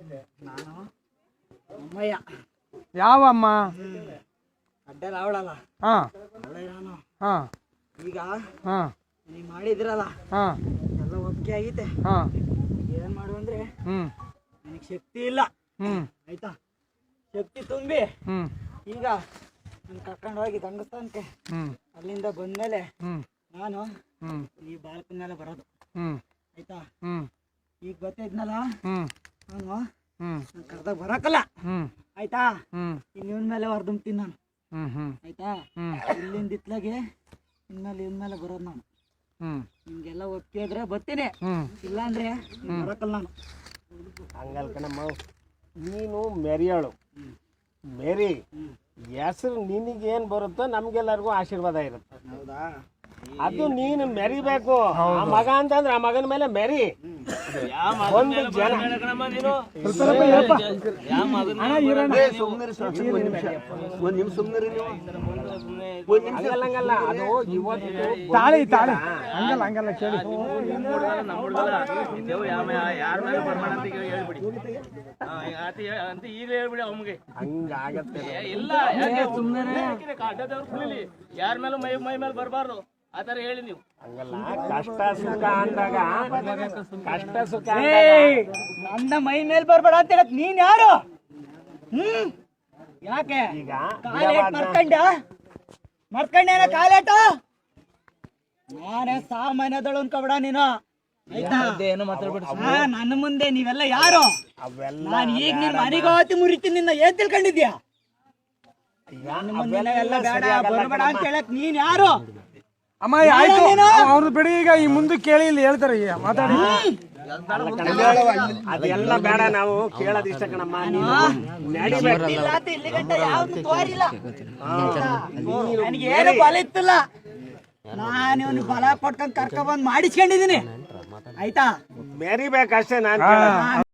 ನಾನು ಅಮ್ಮಯ್ಯ. ಯಾವ ಅಮ್ಮ? ಅಡ್ಡಲ್ಲ ಅವಳಲ್ಲ, ಹಾ ಅವಳೇ ನಾನು. ಹಾ ಈಗ ಹಾ ನೀವು ಮಾಡಿದ್ರಲ್ಲ ಹಾ ಎಲ್ಲ ಒಪ್ಪಿಗೆ ಆಗೈತೆ. ಹಾ ಏನ್ ಮಾಡು ಅಂದ್ರೆ ಹ್ಮ್ ನನಗೆ ಶಕ್ತಿ ಇಲ್ಲ, ಹ್ಮ್ ಆಯ್ತಾ? ಶಕ್ತಿ ತುಂಬಿ ಹ್ಮ್ ಈಗ ನಾನು ಕರ್ಕೊಂಡು ಹೋಗಿ ದಂಗಸ್ಥಾನಕ್ಕೆ ಹ್ಮ್ ಅಲ್ಲಿಂದ ಬಂದ್ಮೇಲೆ ಹ್ಮ್ ನಾನು ಹ್ಮ್ ಈ ಬಾಲಕನ ಮೇಲೆ ಬರೋದು, ಹ್ಮ್ ಆಯ್ತಾ? ಹ್ಮ್ ಈಗ ಗೊತ್ತಿದ್ನಲ್ಲ ಹ್ಮ್ ನಾನು ಹ್ಮ್ ಕರ್ದಾಗ ಬರಕಲ್ಲ, ಹ್ಮ್ ಆಯ್ತಾ? ಹ್ಮ್ ಇನ್ನು ಇವನ್ ಮೇಲೆ ಹೊರದುಂಬ್ತೀನಿ ನಾನು, ಹ್ಮ್ ಹ್ಮ್ ಆಯ್ತಾ? ಹ್ಮ್ ಇಲ್ಲಿಂದ ಇತ್ಲಾಗೆ ಇನ್ಮೇಲೆ ಇವನ್ ಬರೋದು ನಾನು. ಹ್ಮ್ ನಿಮ್ಗೆಲ್ಲ ಒಪ್ಪಿಗೆ ಇದ್ರೆ ಬರ್ತೀನಿ, ಹ್ಮ್ ಇಲ್ಲಾಂದ್ರೆ ಬರಕಲ್ಲ ನಾನು. ಹಂಗಲ್ ಕಣಮ್ಮ, ನೀನು ಮೆರಿಯಾಳು. ಮೆರಿ ಹೆಸರು ನಿನಗೇನು ಬರುತ್ತೋ ನಮ್ಗೆಲ್ಲರಿಗೂ ಆಶೀರ್ವಾದ ಇರುತ್ತೆ. ಹೌದಾ? ಅದು ನೀನು ಮೆರಿಬೇಕು. ಆ ಮಗ ಅಂತಂದ್ರೆ ಆ ಮಗನ ಮೇಲೆ ಮೆರಿ. ಒಂದು ಜನ ಹಂಗಲ್ಲ, ಅದು ಇವತ್ತು ತಾಳಿ ತಾಳಿ ಹಂಗಲ್ಲ ಹಂಗಲ್ಲ ಕೇಳಿ. ಹಂಗಾಗತ್ತೆ. ಯಾರ ಮೇಲೂ ಮೈ ಮೇಲೆ ಬರಬಾರ್ದು ಆ ತರ ಹೇಳಿ ನೀವು. ಹಂಗಲ್ಲ, ಕಷ್ಟ ಸುಖ ಅಂದಾಗ ಕಷ್ಟ ಸುಖ ನನ್ನ ಮೈ ಮೇಲೆ ಬರ್ಬೇಡ ಅಂತ ಹೇಳಕ್ ನೀನ್ ಯಾರು? ಯಾಕೆ ಈಗ ಕಾಲೇಟ್ ಮರ್ಕಂಡೇನ ಕಾಲೇಟ? ನಾನೇ ಸಾಮಾನ್ಯದಳು ಅನ್ಕೋಬೇಡ ನೀನು, ಆಯ್ತಾ? ನನ್ನ ಮುಂದೆ ನೀವೆಲ್ಲ ಯಾರು? ಅವೆಲ್ಲ ನಾನು ಈಗ ನಿನ್ ಮನೆಗೆ ಹೋತಿ ಮುರಿತೀನಿ, ನಿನ್ನ ಏನ್ ತಿಳ್ಕೊಂಡಿದ್ಯಾ? ನನ್ನ ಮುಂದೆ ಎಲ್ಲ ಬೇಡ ಬರ್ಬೇಡ ಅಂತ ಹೇಳಕ್ ನೀನ್ ಯಾರು? ಅಮ್ಮ ಆಯ್ತು, ಅವ್ರು ಬಿಡಿ. ಈಗ ಈ ಮುಂದೆ ಕೇಳಿ ಇಲ್ಲಿ ಹೇಳ್ತಾರೆ, ಈಗ ಮಾತಾಡಿ. ಅದೆಲ್ಲ ಬೇಡ, ನಾವು ಕೇಳೋದು ಇಷ್ಟ ಕಣಮ್ಮ. ಇಲ್ಲಿ ಗಂಟ ಯಾವ್ದು ತೋರಿಲ್ಲ, ನನಗೆ ಏನು ಬಲ ಇತ್ತಿಲ್ಲ. ನಾನು ಇವನು ಬಲ ಕೊಟ್ಕೊಂಡ್ ಕರ್ಕೊಂಡ್ ಬಂದ್ ಮಾಡಿಸ್ಕೊಂಡಿದೀನಿ, ಆಯ್ತಾ? ಮೆರಿಬೇಕಷ್ಟೇ ನಾನು.